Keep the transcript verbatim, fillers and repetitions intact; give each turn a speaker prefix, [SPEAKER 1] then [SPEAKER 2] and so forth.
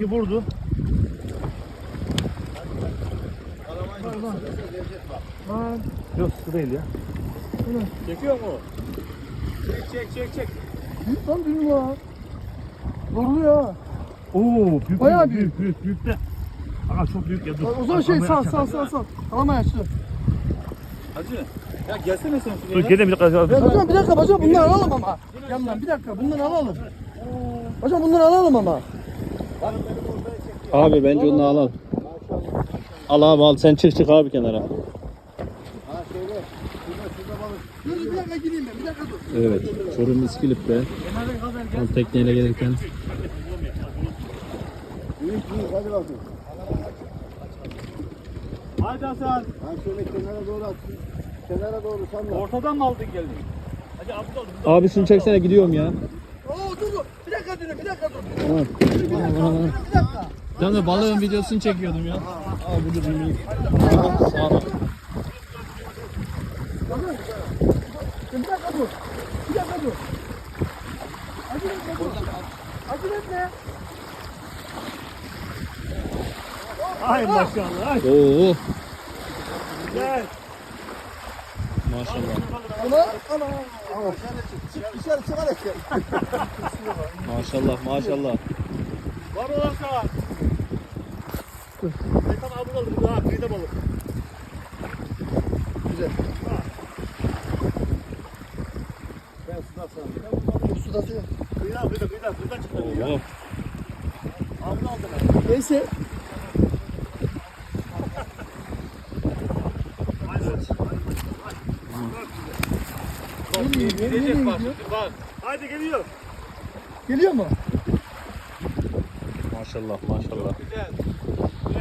[SPEAKER 1] ki vurdu.
[SPEAKER 2] Lan.
[SPEAKER 1] Yok su değil ya.
[SPEAKER 3] Çekiyor mu? Çek çek çek çek.
[SPEAKER 2] Büyük lan büyük lan. Zorluyor ha.
[SPEAKER 1] Oo büyük
[SPEAKER 2] Bayağı
[SPEAKER 1] büyük büyük büyük, büyük de. Aga çok büyük ya dur.
[SPEAKER 2] O zaman şey
[SPEAKER 1] Kalamayı
[SPEAKER 2] sal
[SPEAKER 1] açacağım.
[SPEAKER 2] sal sal sal. Kalamayı açtı.
[SPEAKER 3] Hacı. Ya gelsene sen
[SPEAKER 1] Dur
[SPEAKER 3] şuraya.
[SPEAKER 1] gelin bir dakika.
[SPEAKER 2] Ya hocam bir dakika hocam bunları alalım ama. Yandan bir dakika bunları alalım. Hocam bunları alalım ama.
[SPEAKER 4] Abi bence onu alalım. Al abi al sen çık çık abi kenara.
[SPEAKER 2] Dur bir dakika gireyim ben bir dakika dur.
[SPEAKER 4] Evet. Çorum İskilip'te. Tam tekneyle gelirken.
[SPEAKER 5] Büyük büyük hadi bakayım.
[SPEAKER 3] Hadi Hasan.
[SPEAKER 5] Ha şöyle kenara doğru at. Kenara doğru salla.
[SPEAKER 3] Ortadan mı aldın geldin? Hadi abdal.
[SPEAKER 4] Abi şunu çeksene gidiyorum ya.
[SPEAKER 2] Oo dur dur. Bir dakika dur bir dakika dur.
[SPEAKER 4] Tamam.
[SPEAKER 2] Bir dakika.
[SPEAKER 4] Tamam da balığın videosunu çekiyordum ya. Al bu da bir Sağ ol.
[SPEAKER 2] Bir dakika dur. Bir dakika dur. Acele etme dur. Acele etme.
[SPEAKER 1] Ay maşallah. Ay.
[SPEAKER 4] Oo.
[SPEAKER 1] Gel.
[SPEAKER 4] Maşallah.
[SPEAKER 2] Ana ana.
[SPEAKER 5] Çık dışarı çık hadi.
[SPEAKER 4] Maşallah maşallah.
[SPEAKER 3] Var mı lan sana? Haytan abdal aldım. Daha kıyıda balık.
[SPEAKER 5] Ben suda sana.
[SPEAKER 2] Dur suda suya.
[SPEAKER 3] Kıyıda kıyıda kıyıda kıyıda çıktı.
[SPEAKER 4] Oo.
[SPEAKER 3] Abdal aldım.
[SPEAKER 2] Neyse. Nereye gidiyor? Nereye
[SPEAKER 3] Gidecek bak
[SPEAKER 2] gidiyor?
[SPEAKER 3] şimdi bak.
[SPEAKER 1] Hadi geliyor.
[SPEAKER 2] Geliyor mu?
[SPEAKER 4] Maşallah maşallah.
[SPEAKER 3] Güzel.